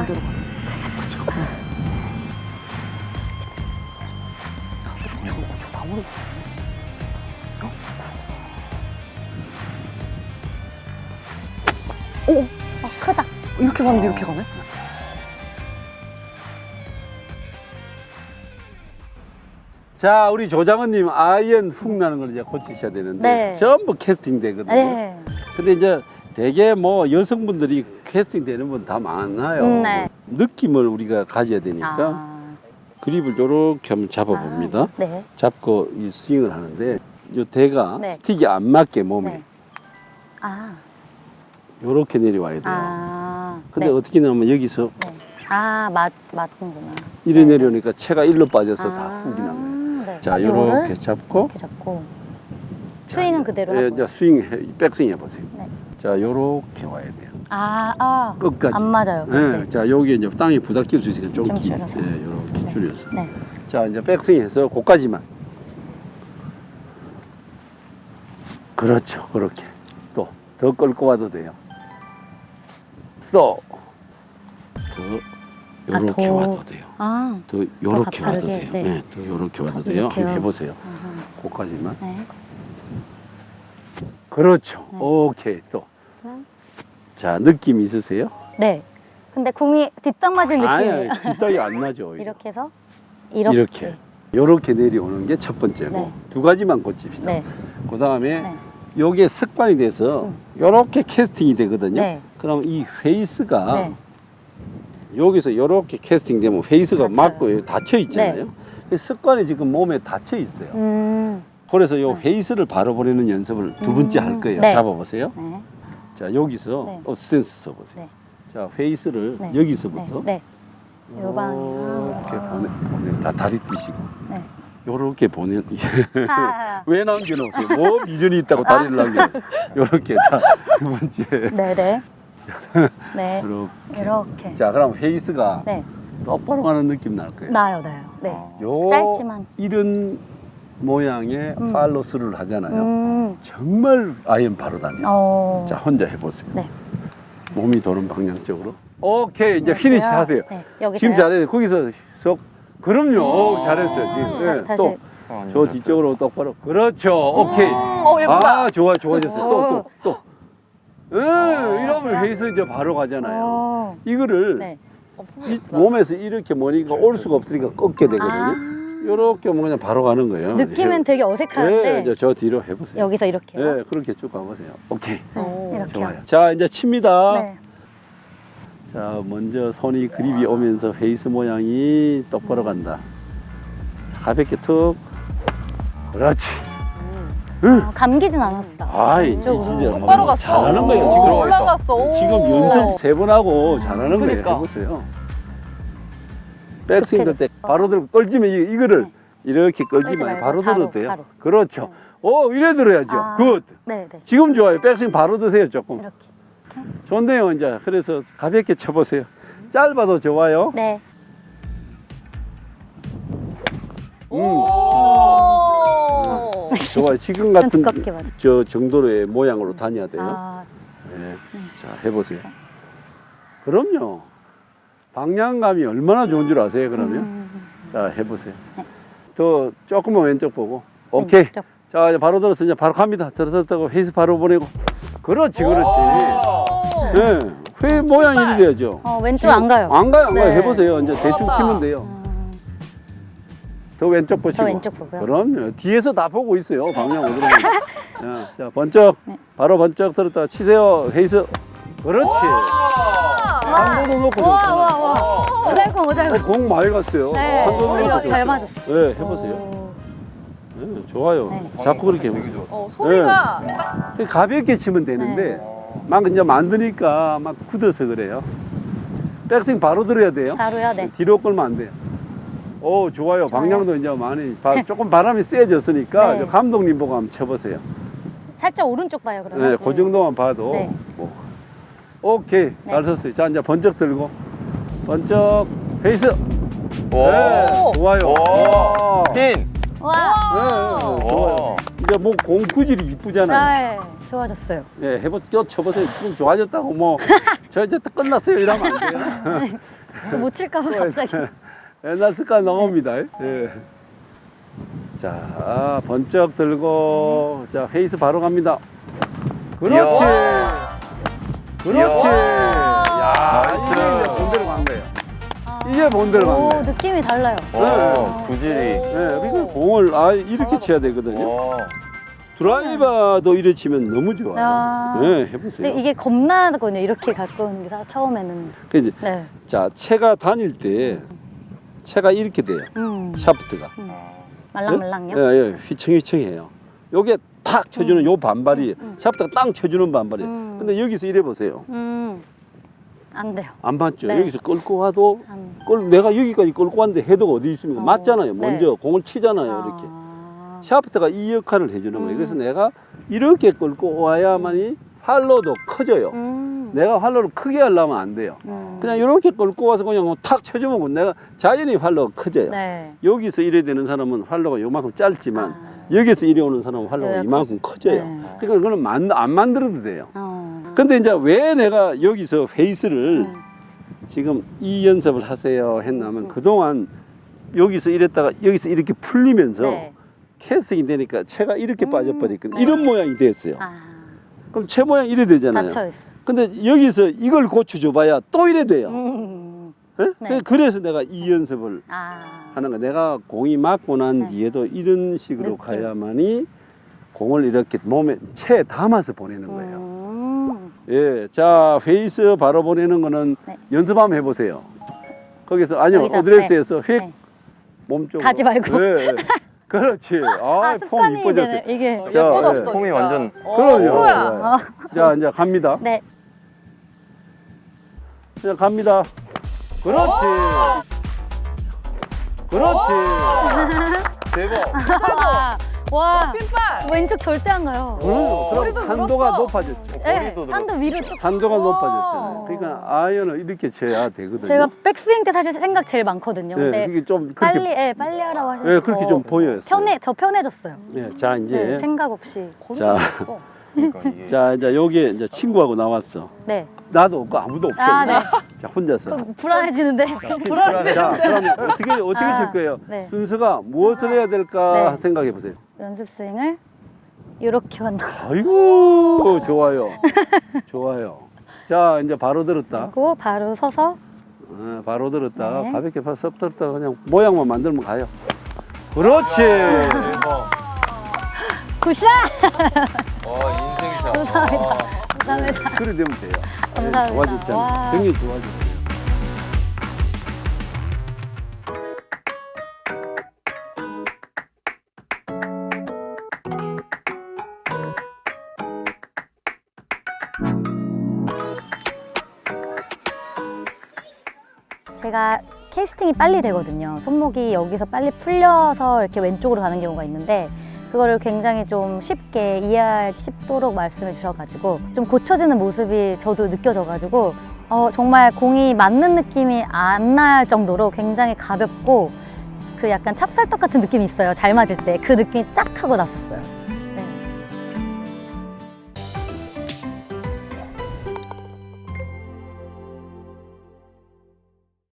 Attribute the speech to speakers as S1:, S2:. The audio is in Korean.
S1: 반대로 가.
S2: 그쵸.
S1: 저 나무로.
S3: 오, 크다.
S1: 이렇게 가는데 이렇게 가네?
S2: 자, 우리 조장원님 아이언 훅 나는 걸 이제 고치셔야 되는데
S3: 네.
S2: 전부 캐스팅 되거든요.
S3: 네.
S2: 근데 이제 대개 뭐 여성분들이 캐스팅 되는 분 다 많아요.
S3: 네.
S2: 느낌을 우리가 가져야 되니까
S3: 아.
S2: 그립을 요렇게 한번 잡아봅니다.
S3: 네.
S2: 잡고 이 스윙을 하는데 요 대가
S3: 네.
S2: 스틱이 안 맞게 몸에
S3: 네. 아.
S2: 요렇게 내려와야 돼요.
S3: 아.
S2: 근데
S3: 네.
S2: 어떻게 나오면 여기서
S3: 네. 아, 맞는구나.
S2: 이래 내려오니까 채가 일로 빠져서 다
S3: 아.
S2: 훅이 난 거예요.
S3: 네.
S2: 자,
S3: 요거를
S2: 요렇게 잡고
S3: 이렇게 잡고. 스윙은 그대로
S2: 예,
S3: 하고.
S2: 이제 스윙, 백스윙 해보세요.
S3: 네.
S2: 자, 요렇게 와야 돼요.
S3: 아.
S2: 끝까지.
S3: 안 맞아요.
S2: 예,
S3: 네.
S2: 자, 여기 이제 땅이 부닥칠 수 있으니까 좀
S3: 좀
S2: 길,
S3: 줄여서.
S2: 예, 요렇게
S3: 네.
S2: 줄여서.
S3: 네.
S2: 자, 이제 백스윙 해서 고까지만. 그렇죠, 그렇게. 또, 더 끌고 와도 돼요. 더, 요렇게
S3: 더.
S2: 와도 돼요.
S3: 아.
S2: 더 요렇게 와도
S3: 가파르게,
S2: 돼요.
S3: 네.
S2: 네, 더 요렇게 와도 돼요.
S3: 이렇게요?
S2: 한번 해보세요. 고까지만.
S3: 네.
S2: 그렇죠. 오케이, 또. 자, 느낌 있으세요?
S3: 네. 근데 공이 뒷땅 맞을 느낌이에요.
S2: 아니, 뒷땅이 안 나죠. 오히려.
S3: 이렇게 해서
S2: 이렇게. 요렇게 내려오는 게 첫 번째고
S3: 네.
S2: 두 가지만 고칩시다.
S3: 네.
S2: 그 다음에
S3: 네.
S2: 요게 습관이 돼서 요렇게 캐스팅이 되거든요.
S3: 네.
S2: 그럼 이 페이스가
S3: 네.
S2: 여기서 요렇게 캐스팅 되면 페이스가
S3: 닫혀요.
S2: 맞고 닫혀 있잖아요. 그 습관이 지금 몸에 닫혀 있어요. 그래서 요 페이스를 바로 보내는 연습을 두 번째 할 거예요.
S3: 네.
S2: 잡아보세요.
S3: 네.
S2: 자, 여기서
S3: 네.
S2: 스탠스 써보세요.
S3: 네.
S2: 자, 페이스를
S3: 네.
S2: 여기서부터
S3: 네. 네. 요 방향.
S2: 이렇게 보내 다 다리 뛰시고
S3: 네.
S2: 요렇게 보내
S3: 아.
S2: 왜 남겨놓으세요? 뭐 미련이 있다고 다리를 남겨놓으세요? 요렇게 자, 두 번째
S3: 네네. 네.
S2: 요렇게
S3: 이렇게.
S2: 자, 그럼 페이스가
S3: 네.
S2: 똑바로 가는 느낌 날 거예요.
S3: 나요. 네.
S2: 요
S3: 짧지만.
S2: 이런 모양의 팔로스를 하잖아요.
S3: 음.
S2: 정말 아이언 바로 다녀요. 자, 혼자 해보세요.
S3: 네.
S2: 몸이 도는 방향 쪽으로. 오케이, 이제 피니시 하세요.
S3: 네. 여기서요?
S2: 지금 잘해요. 거기서 쏙. 그럼요. 잘했어요. 지금. 네,
S3: 다시.
S2: 또. 저 뒤쪽으로 똑바로. 그렇죠. 오케이.
S1: 예쁘다.
S2: 아, 좋아졌어요. 또. 이러면 회의서 이제 바로 가잖아요. 이거를
S3: 네.
S2: 이 몸에서 이렇게 모니까 올 수가 없으니까 꺾게 되거든요. 이렇게 오면 그냥 바로 가는 거예요.
S3: 느낌은 되게 어색한데
S2: 네, 이제 저 뒤로 해보세요.
S3: 여기서 이렇게요?
S2: 네, 그렇게 쭉 가보세요. 오케이.
S3: 이렇게요.
S2: 좋아요. 자, 이제 칩니다.
S3: 네.
S2: 자, 먼저 손이 그립이 오면서 페이스 모양이 똑바로 간다. 자, 가볍게 툭. 그렇지.
S3: 감기진 않았다.
S2: 아이, 진짜
S1: 똑바로 갔어.
S2: 잘하는 거예요. 지금
S1: 올라갔어.
S2: 지금 연습 3번 하고 잘하는 거예요.
S1: 그러니까.
S2: 해보세요. 백스윙 들 때 바로 들고 끌지면 이거를 이렇게 끌지
S3: 끌지
S2: 말고
S3: 말고
S2: 바로 들어도
S3: 바로,
S2: 돼요.
S3: 바로.
S2: 그렇죠. 이래 들어야죠.
S3: 아.
S2: 굿.
S3: 네.
S2: 지금 좋아요. 백스윙 바로 드세요. 조금.
S3: 이렇게.
S2: 좋네요. 이제 그래서 가볍게 쳐보세요. 짧아도 좋아요.
S3: 네.
S2: 좋아요. 지금
S3: 좀
S2: 같은
S3: 두껍게 맞아.
S2: 저 정도의 모양으로 다녀야 돼요.
S3: 아,
S2: 네. 자, 해보세요. 그럼요. 방향감이 얼마나 좋은 줄 아세요, 그러면? 자, 해보세요. 더 조금만 왼쪽 보고. 오케이.
S3: 왼쪽.
S2: 자, 이제 바로 들어서 이제 바로 갑니다. 들어섰다고 페이스 바로 보내고. 그렇지. 네. 회 모양이 이리 돼야죠.
S3: 왼쪽
S2: 지금
S3: 안 가요.
S2: 안 가요.
S3: 네.
S2: 해보세요. 이제 대충 치면 돼요. 더 왼쪽 보시고.
S3: 더 왼쪽 보고요.
S2: 그럼요. 뒤에서 다 보고 있어요. 방향 어디로 가는지. 자, 번쩍.
S3: 네.
S2: 바로 번쩍 들었다 치세요. 페이스. 그렇지. 한 번도 놓고 좋잖아요.
S3: 와. 오잘공.
S2: 공 많이 갔어요.
S3: 네.
S2: 한 번도
S3: 이거
S2: 놓고
S3: 잘
S2: 좋죠.
S3: 맞았어.
S2: 네, 해보세요. 네, 좋아요.
S3: 네.
S2: 자꾸 그렇게 해보세요.
S1: 소리가
S2: 가볍게 치면 되는데 막 이제 만드니까 막 굳어서 그래요. 백스윙 바로 들어야 돼요.
S3: 바로요, 네.
S2: 뒤로 끌면 안 돼요. 오, 좋아요. 방향도 이제 많이 조금 바람이 세졌으니까
S3: 네.
S2: 저 감독님 보고 한번 쳐보세요.
S3: 살짝 오른쪽 봐요, 그러면.
S2: 네, 그 정도만 봐도.
S3: 네.
S2: 뭐. 오케이, 잘 섰어요. 자, 이제 번쩍 들고 번쩍 페이스. 네, 좋아요. 와.
S4: 핀.
S3: 와.
S2: 네, 좋아요. 이제 뭐 공 구질이 이쁘잖아요.
S3: 네, 좋아졌어요.
S2: 예, 쳐보세요. 지금 좋아졌다고 뭐 저 이제 또 끝났어요 이러면 안 돼요.
S3: 또 못 칠까봐 갑자기.
S2: 옛날 습관 나옵니다. 예. 자, 번쩍 들고 자 페이스 바로 갑니다. 그렇지. 그렇지. 야,
S4: 나이스.
S2: 이게 이제 본대로 간 거예요. 이게 본대로 간
S3: 오,
S2: 거예요.
S3: 느낌이 달라요.
S4: 구질이.
S2: 네, 그러니까 공을 이렇게 쳐야 되거든요.
S4: 어.
S2: 드라이버도 이래 치면 너무 좋아요.
S3: 아.
S2: 네, 해보세요.
S3: 근데 이게 겁나거든요. 이렇게 가까운 게 처음에는.
S2: 그 이제
S3: 네.
S2: 자 채가 다닐 때 채가 이렇게 돼요. 샤프트가.
S3: 말랑말랑요?
S2: 예, 예, 휘청휘청해요. 요게 탁 쳐주는 요 반발이 샤프트가 땅 쳐주는 반발이에요. 근데 여기서 이래 보세요.
S3: 안 돼요.
S2: 안 맞죠?
S3: 네.
S2: 여기서 끌고 와도
S3: 안.
S2: 내가 여기까지 끌고 왔는데 헤드가 어디 있습니까? 맞잖아요.
S3: 네.
S2: 먼저 공을 치잖아요. 이렇게. 샤프트가 이 역할을 해주는 거예요. 그래서 내가 이렇게 끌고 와야만이 활로도 커져요. 내가 활로를 크게 하려면 안 돼요. 그냥 이렇게 끌고 와서 그냥 탁 쳐주면 내가 자연히 활로가 커져요.
S3: 네.
S2: 여기서 이래 되는 사람은 활로가 요만큼 짧지만 여기서 이래 오는 사람은 활로가
S3: 여기가
S2: 이만큼 커져요.
S3: 네.
S2: 그러니까 그거는 안 만들어도 돼요.
S3: 어.
S2: 근데 이제 왜 내가 여기서 페이스를 지금 이 연습을 하세요 했냐면 그동안 여기서 이랬다가 여기서 이렇게 풀리면서
S3: 네.
S2: 캐스팅이 되니까 채가 이렇게 빠져버리거든요. 이런 모양이 됐어요.
S3: 아,
S2: 그럼 채 모양 이래 되잖아요.
S3: 닫혀있어요.
S2: 근데 여기서 이걸 고쳐줘봐야 또 이래 돼요. 예?
S3: 네.
S2: 그래서 내가 이 연습을
S3: 아.
S2: 하는 거야. 내가 공이 맞고 난
S3: 네.
S2: 뒤에도 이런 식으로
S3: 느낌.
S2: 가야만이 공을 이렇게 몸에 채에 담아서 보내는 거예요.
S3: 음.
S2: 예, 자 페이스 바로 보내는 거는
S3: 네.
S2: 연습 한번 해보세요. 거기서 아니요
S3: 여기서,
S2: 어드레스에서 휙
S3: 네.
S2: 몸쪽으로
S3: 가지 말고.
S2: 예, 예. 그렇지. 폼
S3: 습관이
S2: 이뻐졌어요.
S3: 되네. 이게.
S2: 자,
S1: 예뻐졌어.
S2: 예.
S4: 폼이
S1: 진짜.
S4: 완전-
S2: 그럼요.
S1: 프로야.
S2: 좋아요. 자 이제 갑니다.
S3: 네.
S2: 이제 갑니다. 그렇지. 그렇지.
S4: 대박.
S3: 와.
S1: 핀발.
S3: 왼쪽 절대 안 가요.
S2: 그럼요. 그럼
S1: 머리도
S2: 탄도가
S1: 늘었어.
S2: 높아졌죠.
S3: 네,
S4: 머리도
S3: 한도 위로 쭉.
S2: 탄도가
S1: 오.
S2: 높아졌잖아요. 그러니까 아이언을 이렇게 쳐야 되거든요.
S3: 제가 백스윙 때 사실 생각 제일 많거든요.
S2: 네,
S3: 근데
S2: 그게 좀 그렇게
S3: 빨리 하라고 하셔서
S2: 네, 그렇게 좀 보여요.
S3: 편해졌어요.
S2: 네, 자 이제
S3: 네, 생각 없이.
S2: 자,
S4: 그러니까 이게.
S2: 자 이제 여기 이제 친구하고 나왔어.
S3: 네.
S2: 나도 없고 아무도 없어요.
S3: 아, 네.
S2: 자 혼자서.
S3: 그럼 불안해지는데.
S2: 자 그럼 어떻게 칠 거예요?
S3: 네.
S2: 순서가 무엇을 해야 될까
S3: 네.
S2: 생각해 보세요.
S3: 연습 스윙을 이렇게 한다.
S2: 아이고 좋아요. 좋아요. 자 이제 바로 들었다.
S3: 그리고 바로 서서
S2: 바로 들었다.
S3: 네.
S2: 가볍게 섭 들었다 그냥 모양만 만들면 가요. 그렇지.
S4: 대박.
S3: 굿샷!
S4: 와, 인생샷.
S3: 감사합니다. 감사합니다.
S2: 그래 되면 돼요.
S3: 감사합니다.
S2: 좋아졌잖아요.
S3: 와.
S2: 굉장히 좋아졌어요.
S3: 제가 캐스팅이 빨리 되거든요. 손목이 여기서 빨리 풀려서 이렇게 왼쪽으로 가는 경우가 있는데 그거를 굉장히 좀 쉽게 이해하기 쉽도록 말씀해 주셔가지고 좀 고쳐지는 모습이 저도 느껴져가지고 정말 공이 맞는 느낌이 안 날 정도로 굉장히 가볍고 그 약간 찹쌀떡 같은 느낌이 있어요. 잘 맞을 때 그 느낌이 쫙 하고 났었어요.